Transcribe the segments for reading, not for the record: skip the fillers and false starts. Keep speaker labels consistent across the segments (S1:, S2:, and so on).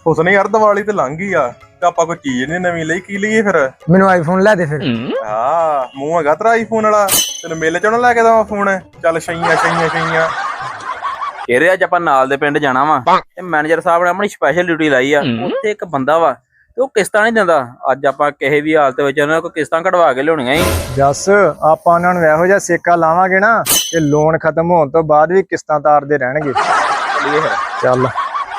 S1: ਹੁਸਨ ਯਾਰ ਦੀਵਾਲੀ ਤੇ ਲੰਘ ਗਈ ਆ ਤੇ ਆਪਾਂ ਕੋਈ ਚੀਜ਼ ਨਹੀਂ ਨਵੀਂ ਲਈ, ਕੀ ਲਈਏ ਫਿਰ?
S2: ਮੈਨੂੰ ਆਈਫੋਨ ਲੈ ਦੇ ਫਿਰ।
S1: ਹਾਂ ਮੂੰਹ ਹੈਗਾ ਤੇਰਾ ਆਈਫੋਨ ਵਾਲਾ, ਤੈਨੂੰ ਮੇਲੇ ਚੋਂ ਨਾ ਲੈ ਕੇ ਦਵਾਂ ਫੋਨ? ਚੱਲ ਛਈਆਂ ਛਈਆਂ ਛਈਆਂ।
S3: ਇਹਦੇ ਅੱਜ ਆਪਾਂ ਨਾਲ ਦੇ ਪਿੰਡ ਜਾਣਾ ਵਾ ਤੇ ਮੈਨੇਜਰ ਸਾਹਿਬ ਨੇ ਆਪਣੀ ਸਪੈਸ਼ਲ ਡਿਊਟੀ ਲਾਈ ਆ। ਉੱਥੇ ਇੱਕ ਬੰਦਾ ਵਾ ਤੇ ਉਹ ਕਿਸ਼ਤਾਂ ਨਹੀਂ ਦਿੰਦਾ। ਅੱਜ ਆਪਾਂ ਕਿਸੇ ਵੀ ਹਾਲਤ ਵਿੱਚ ਉਹਨਾਂ ਕੋਲ ਕਿਸ਼ਤਾਂ ਕਢਵਾ ਕੇ ਲਿਆਉਣੀਆਂ ਹੀ।
S2: ਜੱਸ ਆਪਾਂ ਉਹਨਾਂ ਨੂੰ ਇਹੋ ਜਿਹਾ ਸੇਕਾ ਲਾਵਾਂਗੇ ਨਾ ਕਿ ਲੋਨ ਖਤਮ ਹੋਣ ਤੋਂ ਬਾਅਦ ਵੀ ਕਿਸ਼ਤਾਂ ਤਾਰਦੇ ਰਹਿਣਗੇ।
S3: ਚੱਲੀਏ ਫਿਰ।
S2: ਚੱਲ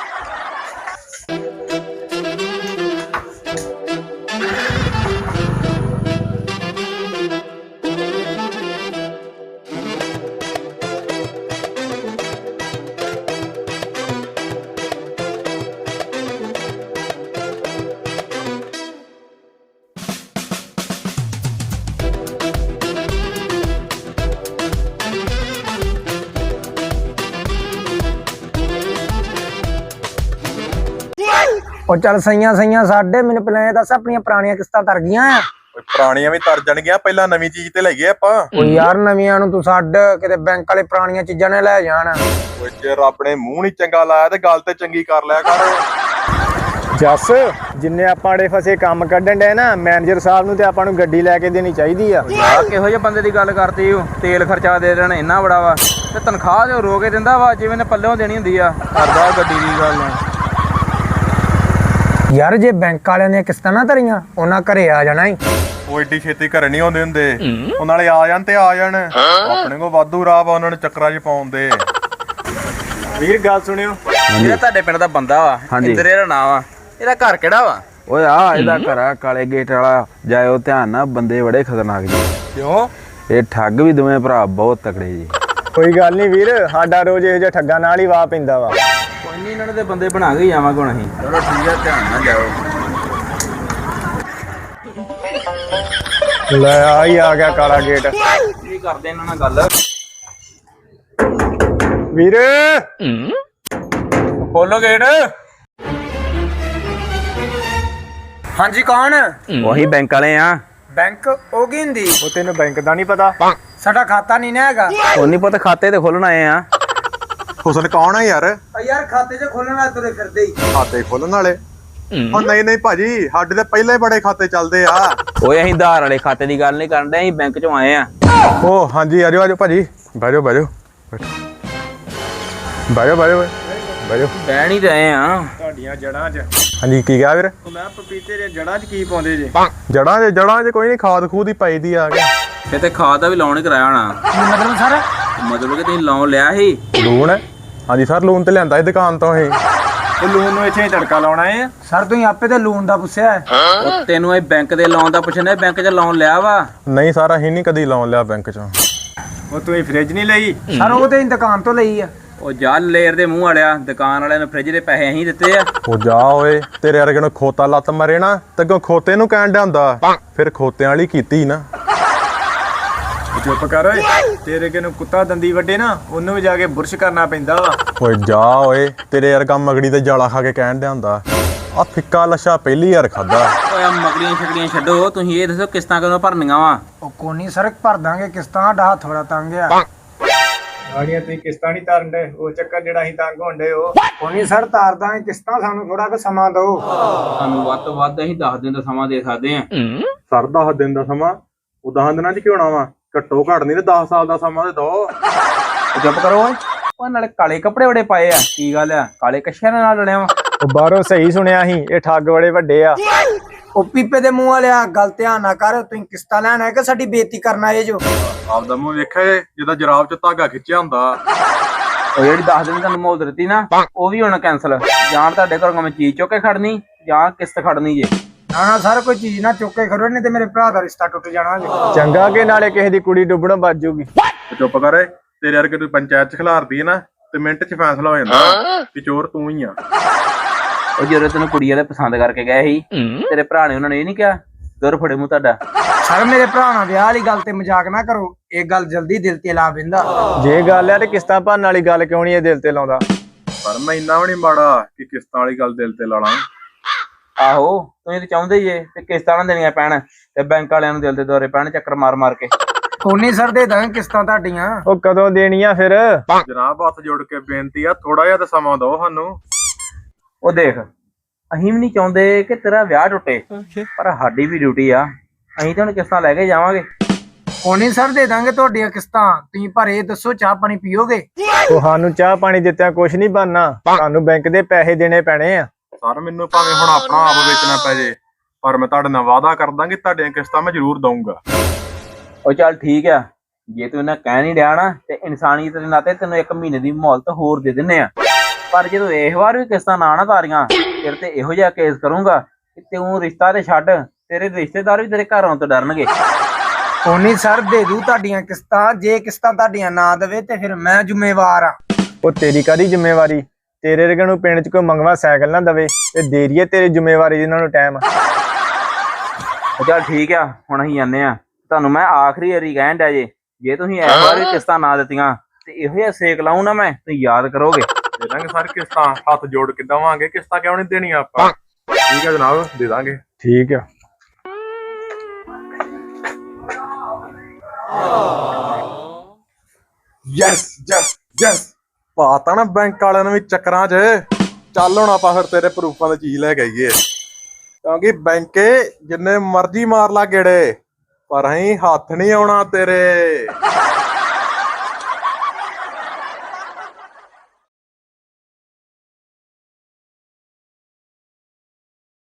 S2: ਉਹ ਚੱਲ ਸਈਆਂ ਸਾਡੇ ਮੈਨੂੰ ਪਹਿਲਾਂ ਇਹ ਦੱਸ ਆਪਣੀਆਂ ਪੁਰਾਣੀਆਂ ਕਿਸ਼ਤਾਂ ਤਰ ਗਈਆਂ ਆ?
S1: ਓਏ ਪੁਰਾਣੀਆਂ ਵੀ ਤਰ ਜਾਣਗੀਆਂ, ਪਹਿਲਾਂ ਨਵੀਂ ਚੀਜ਼ ਤੇ ਲਈਏ ਆਪਾਂ।
S2: ਉਹ ਯਾਰ ਨਵੀਆਂ ਨੂੰ ਤੂੰ ਛੱਡ, ਕਿਤੇ ਬੈਂਕ ਵਾਲੇ ਪੁਰਾਣੀਆਂ ਚੀਜ਼ਾਂ ਨੇ ਲੈ ਜਾਣ।
S1: ਓਏ ਜੇ ਰੱਬ ਨੇ ਮੂੰਹ ਨਹੀਂ ਚੰਗਾ ਲਾਇਆ ਤੇ ਗੱਲ ਤੇ ਚੰਗੀ ਕਰ ਲਿਆ ਕਰ।
S2: ਜੱਸ ਜਿੰਨੇ ਆਪਾਂ ੜੇ ਫਸੇ ਕੰਮ ਕੱਢਣ ਡਏ ਨਾ, ਮੈਨੇਜਰ ਸਾਹਿਬ ਨੂੰ ਤੇ ਆਪਾਂ ਨੂੰ ਗੱਡੀ ਲੈ ਕੇ ਦੇਣੀ ਚਾਹੀਦੀ ਆ।
S3: ਯਾਰ ਕਿਹੋ ਜਿਹੇ ਬੰਦੇ ਦੀ ਗੱਲ ਕਰਦੀ ਹੋ? ਤੇਲ ਖਰਚਾ ਦੇ ਦੇਣਾ ਇੰਨਾ ਬੜਾ ਵਾ ਤੇ ਤਨਖਾਹ ਤੇ ਰੋ ਕੇ ਦਿੰਦਾ ਵਾ ਜਿਵੇਂ ਨੇ ਪੱਲਿਓਂ ਦੇਣੀ ਹੁੰਦੀ ਆ। ਕਰਦਾ ਗੱਡੀ ਦੀ ਗੱਲ।
S2: ਯਾਰ ਜੇ ਬੈਂਕ ਵਾਲਿਆਂ ਨੇ ਕਿਸ਼ਤਾਂ ਨਾ ਧਰੀਆਂ ਉਹਨਾਂ ਘਰੇ ਆ ਜਾਣਾ ਹੀ।
S1: ਉਹ ਏਡੀ ਛੇਤੀ ਘਰੇ ਨਹੀਂ ਆਉਂਦੇ ਹੁੰਦੇ, ਉਹ ਨਾਲੇ ਆ ਜਾਣ ਤੇ ਆ ਜਾਣ। ਆਪਣੇ ਕੋਲ ਵਾਧੂ ਰਾਹ ਵਾ ਉਹਨਾਂ ਨੂੰ ਚੱਕਰਾਂ 'ਚ ਪਾਉਣ ਦੇ।
S2: ਵੀਰ ਗੱਲ ਸੁਣਿਓ,
S3: ਜਿਹੜਾ ਤੁਹਾਡੇ ਪਿੰਡ ਦਾ ਬੰਦਾ ਵਾ ਇੰਦਰੇ ਦਾ ਨਾਂ ਵਾ, ਇਹਦਾ ਘਰ ਕਿਹੜਾ ਵਾ?
S4: ਓਏ ਆ ਇਹਦਾ ਘਰ ਆ ਕਾਲੇ ਗੇਟ ਵਾਲਾ। ਜਾਇਓ ਧਿਆਨ ਨਾਲ, ਬੰਦੇ ਬੜੇ ਖਤਰਨਾਕ ਜੀ।
S2: ਕਿਉਂ?
S4: ਇਹ ਠੱਗ ਵੀ ਦੋਵੇਂ ਭਰਾ ਬਹੁਤ ਤਕੜੇ ਜੀ।
S2: ਕੋਈ ਗੱਲ ਨਹੀਂ ਵੀਰ, ਸਾਡਾ ਰੋਜ਼ ਇਹੋ ਜਿਹਾ ਠੱਗਾਂ ਨਾਲ ਹੀ ਵਾਹ ਪੈਂਦਾ ਵਾ।
S3: ਕੋਈ ਨਹੀਂ, ਇਹਨਾਂ ਦੇ ਬੰਦੇ ਬਣਾ ਕੇ ਜਾਵਾਂਗੇ ਹੁਣ ਅਸੀਂ।
S4: ਚਲੋ ਠੀਕ ਆ, ਧਿਆਨ ਨਾਲ ਜਾਓ।
S2: ਲੈ ਆ ਗਿਆ ਕਾਲਾ ਗੇਟ।
S3: ਕੀ ਕਰਦੇ ਇਹਨਾਂ ਨਾਲ ਗੱਲ?
S2: ਵੀਰ
S3: ਖੋਲੋ ਗੇਟ।
S2: ਹਾਂਜੀ ਕੌਣ?
S4: ਉਹੀ ਬੈਂਕ ਵਾਲੇ ਆ।
S2: ਬੈਂਕ ਉਹ ਕੀ ਹੁੰਦੀ? ਉਹ ਤੈਨੂੰ ਬੈਂਕ ਦਾ ਨਹੀਂ ਪਤਾ? ਸਾਡਾ ਖਾਤਾ ਨਹੀਂ ਨਾ ਹੈਗਾ।
S4: ਉਹ ਨਹੀਂ ਪਤਾ, ਖਾਤੇ ਤੇ ਖੋਲਣ ਆਏ ਆ।
S1: ਹੁਸਨ ਕੌਣ ਆ ਯਾਰ?
S2: ਯਾਰ ਖਾਤੇ 'ਚ ਖੋਲਣ ਵਾਲੇ ਤੁਰੇ ਫਿਰਦੇ ਹੀ।
S1: ਖਾਤੇ ਖੋਲਣ ਵਾਲੇ? ਉਹ ਨਹੀਂ ਭਾਜੀ, ਸਾਡੇ ਤੇ ਪਹਿਲਾਂ ਹੀ ਬੜੇ ਖਾਤੇ ਚੱਲਦੇ ਆ।
S4: ਓਏ ਅਸੀਂ ਧਾਰ ਵਾਲੇ ਖਾਤੇ ਦੀ ਗੱਲ ਨਹੀਂ ਕਰਨ ਡਏ, ਅਸੀਂ ਬੈਂਕ ਚੋਂ ਆਏ ਆ।
S1: ਉਹ ਹਾਂਜੀ ਆਜੋ ਆਜੋ ਭਾਜੀ, ਬੈਜੋ ਬੈਜੋ ਬੈਜੋ ਬੈਜੋ ਬੈਜੋ।
S3: ਬਹਿਣ ਹੀ ਰਹੇ ਆ।
S2: ਤੁਹਾਡੀਆਂ ਜੜਾਂ 'ਚ।
S1: ਹਾਂਜੀ ਕੀ ਕਿਹਾ ਵੀਰ?
S2: ਮੈਂ ਪਪੀਤੇ ਦੀਆਂ ਜੜਾਂ 'ਚ ਕੀ ਪਾਉਂਦੇ ਜੇ?
S1: ਜੜਾਂ 'ਚ ਕੋਈ ਨਹੀਂ, ਖਾਦ ਖੂਦ ਹੀ ਪਾਈ ਦੀ ਆ ਗਿਆ।
S3: ਇਹ ਤੇ ਖਾਦ ਦਾ ਵੀ ਲੋਨ ਹੀ ਕਰਾਇਆ ਹੋਣਾ।
S2: ਮਤਲਬ ਸਰ?
S3: ਮਤਲਬ ਕਿ ਤੁਸੀਂ ਲੋਨ ਲਿਆ ਸੀ?
S1: ਲੋਨ? ਹਾਂਜੀ ਸਰ, ਲੋਨ ਤੇ ਲਿਆਂਦਾ ਸੀ ਦੁਕਾਨ ਤੋਂ ਇਹ।
S2: ਉਹ ਲੋਨ ਨੂੰ ਇੱਥੇ ਤੜਕਾ ਲਾਉਣਾ ਹੈ ਸਰ? ਤੁਸੀਂ ਆਪੇ ਤੇ ਲੋਨ ਦਾ ਪੁੱਛਿਆ ਹੈ।
S3: ਉਹ ਤੈਨੂੰ ਇਹ ਬੈਂਕ ਦੇ ਲੋਨ ਦਾ ਪੁੱਛਣਾ, ਬੈਂਕ 'ਚ ਲੋਨ ਲਿਆ ਵਾ?
S1: ਨਹੀਂ ਸਰ, ਅਸੀਂ ਨਹੀਂ ਕਦੀ ਲੋਨ ਲਿਆ ਬੈਂਕ 'ਚੋਂ।
S2: ਉਹ ਤੁਸੀਂ ਫ੍ਰਿਜ ਨਹੀਂ ਲਈ? ਸਰ ਉਹ ਤੇ ਦੁਕਾਨ ਤੋਂ ਲਈ ਆ।
S3: ਉਹ ਜਾ ਲੇਰ ਦੇ ਮੂੰਹ ਵਾਲਿਆ, ਦੁਕਾਨ ਵਾਲਿਆਂ ਨੂੰ ਫ੍ਰਿਜ ਦੇ ਪੈਸੇ ਅਸੀਂ ਦਿੱਤੇ ਆ।
S1: ਉਹ ਜਾ ਓਏ, ਤੇਰੇ ਵਰਗੇ ਨੂੰ ਖੋਤਾ ਲੱਤ ਮਰੇ ਨਾ ਤੇ ਅੱਗੋਂ ਖੋਤੇ ਨੂੰ ਕਹਿਣ ਡਿਆ ਹੁੰਦਾ, ਫਿਰ ਖੋਤਿਆਂ ਵਾਲੀ ਕੀਤੀ ਨਾ।
S2: ਚੁੱਪ ਕਰ ਓਏ, ਤੇਰੇ ਕਿਨੂੰ ਕੁੱਤਾ ਦੰਦੀ ਵੱਡੇ ਨਾ ਉਹਨੂੰ ਵੀ ਜਾ ਕੇ ਬੁਰਸ਼ ਕਰਨਾ ਪੈਂਦਾ ਵਾ।
S1: ਓਏ ਜਾ ਓਏ, ਤੇਰੇ ਵਰਗਾ ਮਗੜੀ ਤੇ ਜਾਲਾ ਖਾ ਕੇ ਕਹਿਣ ਡਿਆ ਹੁੰਦਾ। ਆ ਫਿੱਕਾ ਲੱਛਾ ਪਹਿਲੀ ਵਾਰ ਖਾਦਾ।
S3: ਓਏ ਆ ਮਗੜੀਆਂ ਛਕੜੀਆਂ ਛੱਡੋ, ਤੁਸੀਂ ਇਹ ਦੱਸੋ ਕਿਸ਼ਤਾਂ ਕਦੋਂ ਭਰਨੀਆਂ ਵਾ?
S2: ਉਹ ਕੋਨੀ ਸਰ ਭਰ ਦਾਂਗੇ ਕਿਸ਼ਤਾਂ, ਸਾਡਾ ਹੱਥ ਥੋੜਾ ਤੰਗ ਆ। ਗਾੜੀਆਂ ਤੁਸੀਂ ਕਿਸ਼ਤਾਂ ਨਹੀਂ ਤਾਰਨ ਦੇ, ਉਹ ਚੱਕਰ ਜਿਹੜਾ ਅਸੀਂ ਤੰਗ ਹੁੰਦੇ ਉਹ ਕੋਨੀ ਸਰ ਤਾਰ ਦਾਂਗੇ ਕਿਸ਼ਤਾਂ, ਸਾਨੂੰ ਥੋੜਾ ਕੁ ਸਮਾਂ ਦਿਓ।
S3: ਸਾਨੂੰ ਵੱਧ ਤੋਂ ਵੱਧ ਅਸੀਂ 10 ਦਿਨ ਦਾ ਸਮਾਂ ਦੇ ਸਕਦੇ ਆ।
S1: ਸਰ 10 ਦਿਨ ਦਾ ਸਮਾਂ? ਉਹ 10 ਦਿਨਾਂ 'ਚ ਕੀ ਹੋਣਾ ਵਾ? ਘੱਟੋ ਘੱਟ ਨਹੀਂ ਤੇ 10 ਸਾਲ ਦਾ ਸਮਾਂ ਤੇ ਦੋ।
S3: ਚੁੱਪ ਕਰੋ ਓਏ। ਉਹ ਨਾਲੇ ਕਾਲੇ ਕੱਪੜੇ ਬੜੇ ਪਾਏ ਆ, ਕੀ ਗੱਲ ਆ? ਕਾਲੇ ਕੱਛਿਆਂ ਨਾਲ ਲੜਿਆ ਵਾ?
S2: ਉਹ ਬਾਹਰੋਂ ਸਹੀ ਸੁਣਿਆ ਸੀ, ਇਹ ਠੱਗ ਬੜੇ ਵੱਡੇ ਆ। ਉਹ ਪੀਪੇ ਦੇ ਮੂੰਹ ਵਾਲਿਆ, ਗੱਲ ਧਿਆਨ ਨਾ ਕਰ। ਤੁਸੀਂ ਕਿਸ਼ਤਾਂ ਲੈਣ ਆਏ ਕਿ ਸਾਡੀ ਬੇਇੱਜ਼ਤੀ ਕਰਨ ਆਏ ਜੋ?
S1: ਆਪਦਾ ਮੂੰਹ ਵੇਖਿਆ ਜਿਹਦਾ ਜਰਾਬ 'ਚ ਧਾਗਾ ਖਿੱਚਿਆ ਹੁੰਦਾ।
S3: ਉਹ ਜਿਹੜੀ 10 ਦਿਨ ਤੁਹਾਨੂੰ ਮੋਹਲਤ ਦਿੱਤੀ ਨਾ, ਉਹ ਵੀ ਹੁਣ ਕੈਂਸਲ। ਜਾਂ ਤੁਹਾਡੇ ਘਰੋਂ ਮੈਂ ਚੀਜ਼ ਚੁੱਕ ਕੇ ਖੜਨੀ ਜਾਂ ਕਿਸ਼ਤ ਖੜਨੀ ਜੇ।
S2: ਨਾ ਸਰ, ਕੋਈ ਚੀਜ਼ ਨਾ ਚੁੱਕ ਕੇ ਖੜੋ, ਨਹੀਂ ਤੇ ਮੇਰੇ ਭਰਾ ਦਾ ਰਿਸ਼ਤਾ ਟੁੱਟ ਜਾਣਾ ਜੀ। ਚੰਗਾ ਕਿ ਨਾਲੇ ਕਿਸੇ ਦੀ ਕੁੜੀ ਡੁੱਬਣੋਂ ਬਚ ਜੂਗੀ।
S1: ਚੁੱਪ ਕਰ, ਤੇਰੇ ਵਰਗੇ ਤੂੰ ਪੰਚਾਇਤ 'ਚ ਖਿਲਾਰਦੀ ਹੈ ਨਾ ਤੇ ਮਿੰਟ 'ਚ ਫੈਸਲਾ ਹੋ ਜਾਂਦਾ ਕਿ ਚੋਰ ਤੂੰ ਹੀ ਆ।
S3: ਉਹ ਜਦੋਂ ਤੈਨੂੰ ਕੁੜੀ ਵਾਲੇ ਪਸੰਦ ਕਰਕੇ ਗਏ ਸੀ, ਤੇਰੇ ਭਰਾ ਨੇ ਉਹਨਾਂ ਨੇ ਇਹ ਨਹੀਂ ਕਿਹਾ ਦੁਰ ਫੜੇ ਮੂੰਹ ਤੁਹਾਡਾ?
S2: ਸਰ ਮੇਰੇ ਭਰਾ ਨਾਲ ਵਿਆਹ ਵਾਲੀ ਗੱਲ ਤੇ ਮਜ਼ਾਕ ਨਾ ਕਰੋ, ਇਹ ਗੱਲ ਜਲਦੀ ਦਿਲ ਤੇ ਲਾ ਪੈਂਦਾ। ਜੇ ਗੱਲ ਹੈ ਤੇ ਕਿਸ਼ਤਾਂ ਭਰਨ ਵਾਲੀ ਗੱਲ ਕਿਉਂ ਨਹੀਂ ਇਹ ਦਿਲ ਤੇ ਲਾਉਂਦਾ?
S1: ਪਰ ਮੈਂ ਇੰਨਾ ਵੀ ਨਹੀਂ ਮਾੜਾ ਕਿ ਕਿਸ਼ਤਾਂ ਵਾਲੀ ਗੱਲ ਦਿਲ ਤੇ ਲਾ ਲਾਂ।
S3: ਆਹੋ ਤੁਸੀਂ ਤੇ ਚਾਹੁੰਦੇ ਜੇ ਤੇ ਕਿਸ਼ਤਾਂ ਨਾ ਦੇਣੀਆਂ ਪੈਣ ਤੇ ਬੈਂਕ ਵਾਲਿਆਂ ਨੂੰ ਦਿਲ ਦੇ ਦੌਰੇ ਪੈਣ ਚੱਕਰ ਮਾਰ ਮਾਰ ਕੇ।
S2: ਕੋਨੀ ਸਰ ਦੇ ਦਾਂ ਕਿਸ਼ਤਾਂ ਤੁਹਾਡੀਆਂ। ਉਹ ਕਦੋਂ ਦੇਣੀਆਂ ਫਿਰ?
S1: ਜਨਾਬ ਹੱਥ ਜੋੜ ਕੇ ਬੇਨਤੀ ਆ, ਥੋੜਾ ਜਿਹਾ ਤਾਂ ਸਮਾਂ ਦਿਓ ਸਾਨੂੰ।
S3: ਉਹ ਦੇਖ ਅਸੀਂ ਵੀ ਨਹੀਂ ਚਾਹੁੰਦੇ ਕਿ ਤੇਰਾ ਵਿਆਹ ਟੁੱਟੇ, ਪਰ ਸਾਡੀ ਵੀ ਡਿਊਟੀ ਆ। ਅਸੀਂ ਤਾਂ ਹੁਣ ਕਿਸ਼ਤਾਂ ਲੈ ਕੇ ਜਾਵਾਂਗੇ।
S2: ਕੋਈ ਨਹੀਂ ਸਰ, ਦੇ ਦਾਂਗੇ ਤੁਹਾਡੀਆਂ ਕਿਸ਼ਤਾਂ। ਤੁਸੀਂ ਪਰ ਇਹ ਦੱਸੋ, ਚਾਹ ਪਾਣੀ ਪੀਓਗੇ? ਉਹ ਸਾਨੂੰ ਚਾਹ ਪਾਣੀ ਦਿੱਤਿਆਂ ਕੁਛ ਨਹੀਂ ਬਣਨਾ, ਤੁਹਾਨੂੰ ਬੈਂਕ ਦੇ ਪੈਸੇ ਦੇਣੇ ਪੈਣੇ ਆ।
S1: ਸਰ ਮੈਨੂੰ ਭਾਵੇਂ ਹੁਣ ਆਪਣਾ ਆਪ ਵੇਚਣਾ ਪੈ ਜੇ, ਪਰ ਮੈਂ ਤੁਹਾਡੇ ਨਾਲ ਵਾਅਦਾ ਕਰਦਾ ਕਿ ਤੁਹਾਡੀਆਂ ਕਿਸ਼ਤਾਂ ਮੈਂ ਜ਼ਰੂਰ ਦਊਂਗਾ।
S3: ਉਹ ਚੱਲ ਠੀਕ ਆ, ਜੇ ਤੂੰ ਇਹਨਾਂ ਕਹਿ ਨਹੀਂ ਡਿਆ ਨਾ ਤੇ ਇਨਸਾਨੀਅਤ ਦੇ ਨਾਤੇ ਤੈਨੂੰ 1 ਮਹੀਨੇ ਦੀ ਮੁਹਲਤ ਹੋਰ ਦੇ ਦਿੰਨੇ ਆ। ਪਰ ਜਦੋਂ ਇਸ ਵਾਰ ਵੀ ਕਿਸ਼ਤਾਂ ਨਾ ਤਾਰੀਆਂ, ਫਿਰ ਤੇ ਇਹੋ ਜਿਹਾ ਕੇਸ ਕਰੂੰਗਾ ਕਿ ਤੂੰ ਰਿਸ਼ਤਾ ਤੇ ਛੱਡ, ਤੇਰੇ ਰਿਸ਼ਤੇਦਾਰ ਵੀ ਤੇਰੇ ਘਰ ਆਉਣ ਤੋਂ ਡਰਨਗੇ।
S2: ਕੋਈ ਨਹੀਂ ਸਰ, ਦੇ ਦੂ ਤੁਹਾਡੀਆਂ ਕਿਸ਼ਤਾਂ। ਜੇ ਕਿਸ਼ਤਾਂ ਤੁਹਾਡੀਆਂ ਨਾ ਦੇਵੇ ਤੇ ਫਿਰ ਮੈਂ ਜ਼ਿੰਮੇਵਾਰ ਆ। ਉਹ ਤੇਰੀ ਕਾਹਦੀ ਜ਼ਿੰਮੇਵਾਰੀ? ਤੇਰੇ ਵਰਗੇ ਨੂੰ ਪਿੰਡ 'ਚ ਕੋਈ ਮੰਗਵਾ ਸਾਈਕਲ ਨਾ ਦਵੇ ਤੇ ਦੇ ਦਈਏ ਤੇਰੀ ਜ਼ਿੰਮੇਵਾਰੀ ਜਿਹਨਾਂ ਨੂੰ ਟਾਈਮ।
S3: ਉਹ ਚੱਲ ਠੀਕ ਆ, ਹੁਣ ਅਸੀਂ ਜਾਂਦੇ ਆ। ਤੁਹਾਨੂੰ ਮੈਂ ਆਖਰੀ ਵਾਰੀ ਕਹਿਣ ਡਿਆ ਜੇ ਤੁਸੀਂ ਇਸ ਵਾਰ ਵੀ ਕਿਸ਼ਤਾਂ ਨਾ ਦਿੱਤੀਆਂ ਤੇ ਇਹੋ ਜਿਹਾ ਸੇਕ ਲਾਉਂ ਨਾ ਮੈਂ, ਤੁਸੀਂ ਯਾਦ ਕਰੋਗੇ।
S1: ਦੇ ਦਾਂਗੇ ਸਰ ਕਿਸ਼ਤਾਂ, ਹੱਥ ਜੋੜ ਕੇ ਦੇਵਾਂਗੇ। ਕਿਸ਼ਤਾਂ ਕਿਉਂ ਨਹੀਂ ਦੇਣੀਆਂ ਆਪਾਂ? ਠੀਕ ਹੈ ਜਨਾਬ, ਦੇ ਦਾਂਗੇ।
S2: ਠੀਕ ਆ।
S1: ਯੈਸ ਯੈਸ ਯੈਸ, ਪਾਤਾ ਨਾ ਬੈਂਕ ਵਾਲਿਆਂ ਨੂੰ ਵੀ ਚੱਕਰਾਂ 'ਚ। ਚੱਲ ਹੁਣ ਆਪਾਂ ਫਿਰ ਤੇਰੇ ਪ੍ਰੂਫਾਂ ਦੀ ਚੀਜ਼ ਲੈ ਕੇ ਆਈਏ, ਕਿਉਂਕਿ ਬੈਂਕੇ ਜਿੰਨੇ ਮਰਜ਼ੀ ਮਾਰ ਲਾ ਗੇੜੇ, ਪਰ ਅਸੀਂ ਹੱਥ ਨਹੀਂ ਆਉਣਾ ਤੇਰੇ।